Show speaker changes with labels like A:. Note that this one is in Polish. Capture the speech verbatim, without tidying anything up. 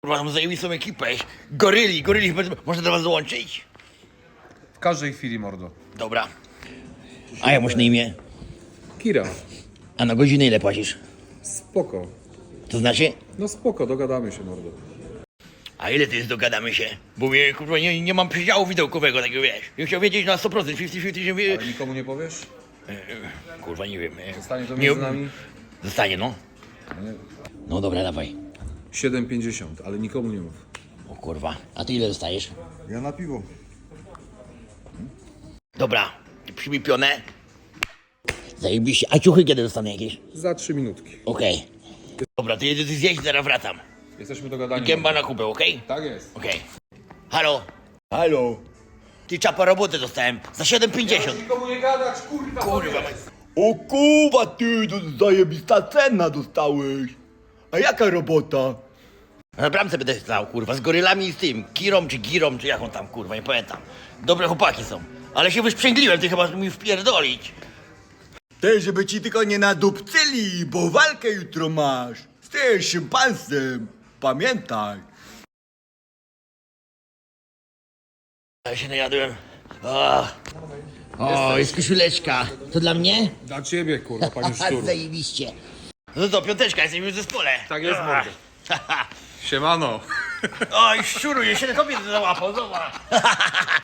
A: Kurwa, mam zajebistą ekipę. Goryli, goryli, można do was dołączyć?
B: W każdej chwili, mordo.
A: Dobra. A jak masz na imię?
B: Kira.
A: A na godzinę ile płacisz?
B: Spoko.
A: To znaczy?
B: No spoko, dogadamy się, mordo.
A: A ile to jest, dogadamy się? Bo mnie, kurwa, nie, nie mam przydziału widełkowego, takiego wiesz. Ja chciał wiedzieć na sto procent, pięćdziesiąt pięćdziesiąt, że...
B: Ale nikomu nie powiesz?
A: Kurwa, nie wiem. e,
B: Zostanie to
A: nie-
B: między nami?
A: Zostanie, no.
B: Nie.
A: No dobra, dawaj.
B: siedem pięćdziesiąt, ale nikomu nie mów.
A: O kurwa, a ty ile dostajesz?
C: Ja na piwo.
A: Dobra, przybij pionę. Zajebiście. A ciuchy kiedy dostanę jakieś?
B: Za trzy minutki.
A: Okej. Dobra, to jedę zjeść, zaraz wracam.
B: Jesteśmy dogadani.
A: Gęba na kupę, okej?
B: Tak jest.
A: Okej. Halo?
C: Halo.
A: Ty, czapa roboty dostałem za siedem pięćdziesiąt.
B: Nikomu nie gadać, kurwa!
A: Kurwa,
C: O kurwa, ty, to zajebista cena dostałeś. A jaka robota?
A: na bramce będę stał, kurwa, z gorylami i z tym, Kirą czy Girą, czy jaką tam, kurwa, nie pamiętam. Dobre chłopaki są. Ale się wysprzęgliłem, ty chyba mi wpierdolić.
C: Ty, żeby ci tylko nie nadupcyli, bo walkę jutro masz. Z tym szympansem. Pamiętaj.
A: Ja się najadłem. O, o jest koszuleczka. To dla mnie?
B: Dla ciebie, kurwa, panie
A: A,
B: szczuru.
A: zajebiście. No to piąteczka, jesteśmy w zespole.
B: Tak jest, mordo. Siemano.
A: Oj, szczuru, jeszcze kobiety załapał, zobacz.